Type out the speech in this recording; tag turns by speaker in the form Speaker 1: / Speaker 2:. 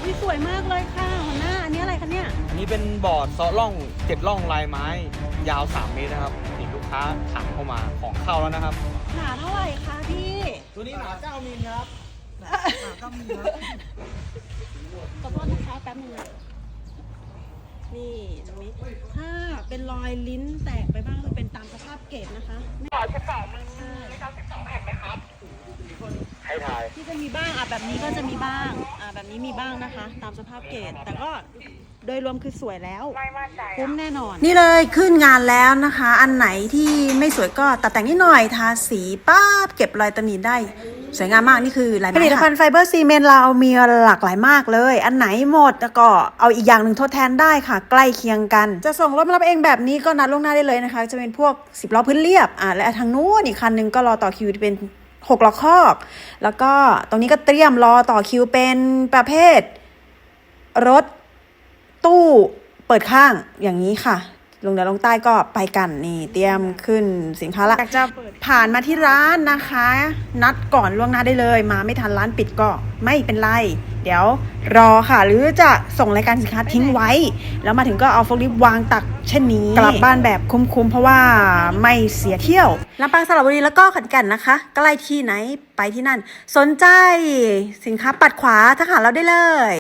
Speaker 1: ยสวยมากเลยค่ะหัวหน้าอันนี้อะไรคะเนี่ย
Speaker 2: อันนี้เป็นบอร์ดซอล่อง7ร่องลายไม้ยาว3 เมตรนะครับนี่ลูกค้าสั่งเข้ามาของเข้าแล้วนะครับ
Speaker 1: หนาเท่าไหร่คะพี่
Speaker 2: ตัวนี้หนา9 มิลครับหนา9 มิลครับ
Speaker 1: ขอโทษนะคะแป๊บนึงนะนี่ตรงนี้ถ้าเป็นรอยลิ้นแตกไปบ้างคือเป็นตามสภาพเกรดนะคะไม่ขอ12มือไม่ต้อง12แผ่นไหมครับ
Speaker 2: ให้ทาย
Speaker 1: ที่จะมีบ้างแบบนี้ก็จะมีบ้างแบบนี้มีบ้างนะคะ ตามสภาพเกรดแต่ก็โดยรวมคือสวยแล้วคุ้มแน่นอน
Speaker 3: นี่เลยขึ้นงานแล้วนะคะ อันไหนที่ไม่สวยก็ตัดแต่งนิดหน่อยทาสีป๊าบเก็บรอยตำหนิได้สวยงามมากนี่คือลายไม้ผลิตภัณฑ์ไฟเบอร์ซีเมนต์เรามีหลากหลายมากเลยอันไหนหมดแล้วก็เอาอีกอย่างหนึ่งทดแทนได้ค่ะใกล้เคียงกันจะส่งรถมารับเองแบบนี้ก็นัดล่วงหน้าได้เลยนะคะจะเป็นพวก10 ล้อพื้นเรียบและทางนู้นอีกคันนึงก็รอต่อคิวเป็น6 ล้อคอกแล้วก็ตรงนี้ก็เตรียมรอต่อคิวเป็นประเภทรถตู้เปิดข้างอย่างนี้ค่ะลงเหนือลงใต้ก็ไปกันนี่เตรียมขึ้นสินค้าละอยากจะผ่านมาที่ร้านนะคะนัดก่อนล่วงหน้าได้เลยมาไม่ทันร้านปิดก็ไม่เป็นไรเดี๋ยวรอค่ะหรือจะส่งรายการสินค้าทิ้งไว้แล้วมาถึงก็เอาโฟล์ลิฟต์วางตักเช่นนี้กลับบ้านแบบคุ้มๆเพราะว่าไม่เสียเที่ยวลำปางสระบุรีแล้วก็ขอนแก่นนะคะใกล้ที่ไหนไปที่นั่นสนใจสินค้าปัดขวาทักหาเราได้เลย